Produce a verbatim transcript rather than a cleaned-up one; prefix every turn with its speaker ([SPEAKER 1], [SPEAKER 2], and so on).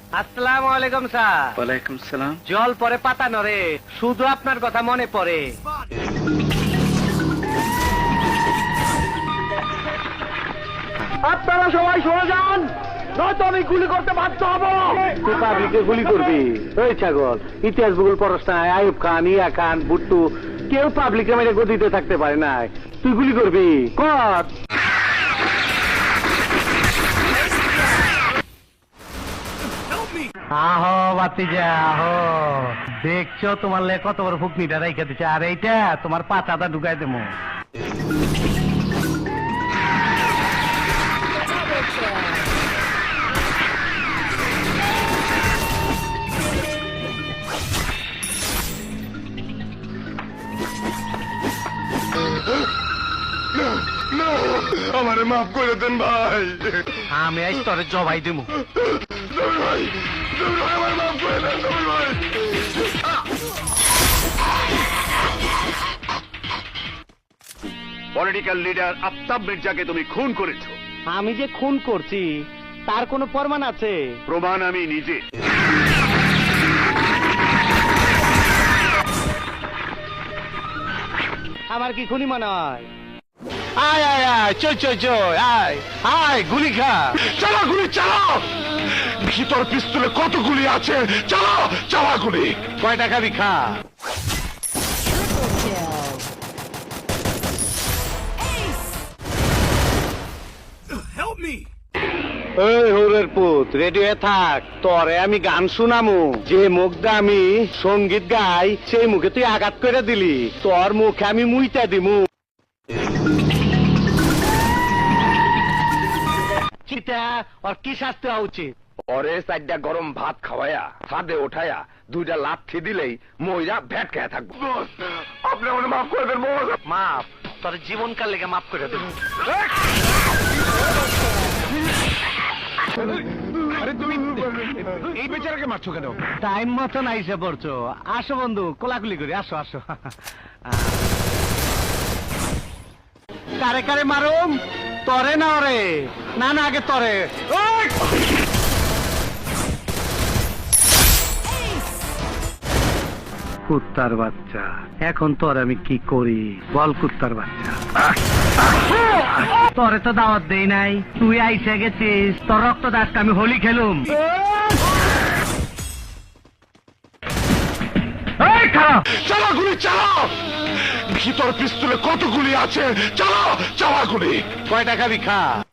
[SPEAKER 1] আসসালামু আলাইকুম স্যার।
[SPEAKER 2] ওয়ালাইকুম সালাম।
[SPEAKER 1] জল পরে পাতা নড়ে, শুধু আপনার কথা মনে পড়ে।
[SPEAKER 3] আপনারা সবাই সরে যান, নয়তো আমি গুলি করতে বাধ্য হব।
[SPEAKER 1] তুই পাবলিকে গুলি করবি? ওই ছাগল, ইতিহাস ভূগোল পড়াস না? আইয়ুব খান, ইয়া খান, বুট্টু কেউ পাবলিকে মেরে গদিতে থাকতে পারে না। তুই গুলি করবি? কর। আহো বাতিজা আহো, দেখছো তোমার লে কত বড় ফুকনিটা রাইখা দিচ্ছে, আর এইটা তোমার পাতাটা ঢুকাই দেবো।
[SPEAKER 4] আমারে মাফ করে দেন ভাই।
[SPEAKER 1] আমি আজ তোরে জবাই দেবো।
[SPEAKER 4] ভাই আমার মাফ করে দেন ভাই। পলিটিক্যাল লিডার আফতাব মির্জাকে তুমি খুন করেছো।
[SPEAKER 1] আমি যে খুন করছি তার কোনো প্রমাণ আছে?
[SPEAKER 4] প্রমাণ আমি নিজে।
[SPEAKER 1] আমার কি খুনি মনে হয়? আয় আয় আয়, চল চল চল, আয় আয়, গুলি খা।
[SPEAKER 4] চালা গুলি চালাও। ভিতর পিস্তলে কত গুলি আছে? চালাও চালা গুলি।
[SPEAKER 1] কয়টা খাবি খা। এই হরের পুত, রেডি হয়ে থাক, তরে আমি গান শুনামু। যে মুখটা আমি সঙ্গীত গাই সেই মুখে তুই আঘাত করে দিলি, তোর মুখে আমি মুইতা দিমু। চিতা ওর কি শাস্তি হওয়া উচিত?
[SPEAKER 4] পরে চারটা গরম ভাত খাওয়ায়া ছাদে ওঠায়া দুইটা লাথি দিলেই মহিলা ভ্যাট খেয়ে থাকবো। আপনি আমাকে মাফ করে দেন।
[SPEAKER 1] মাপ তোর জীবনকাল লেগে মাফ করে দেবো।
[SPEAKER 4] আরে তুমি এই বেচারাকে মারছো কেন?
[SPEAKER 1] টাইম মতন আইসে পড়ছো। আসো বন্ধু, কোলাকুলি করি, আসো আসো। কারে কারে মারুম? তরে না ওরে? না না, আগে তরে। কুত্তার বাচ্চা, এখন তোর আমি কি করি বল? কুত্তার বাচ্চা, তোরে তো দাওয়াত দেই নাই, তুই আইসে গেছিস, তোর রক্ত দাস আমি হোলি খেলুম।
[SPEAKER 4] চালা গুলি চালাও। ভিতর পিস্তলে কত গুলি আছে? চালাও চালা গুলি।
[SPEAKER 1] কয়টা খাবি খা।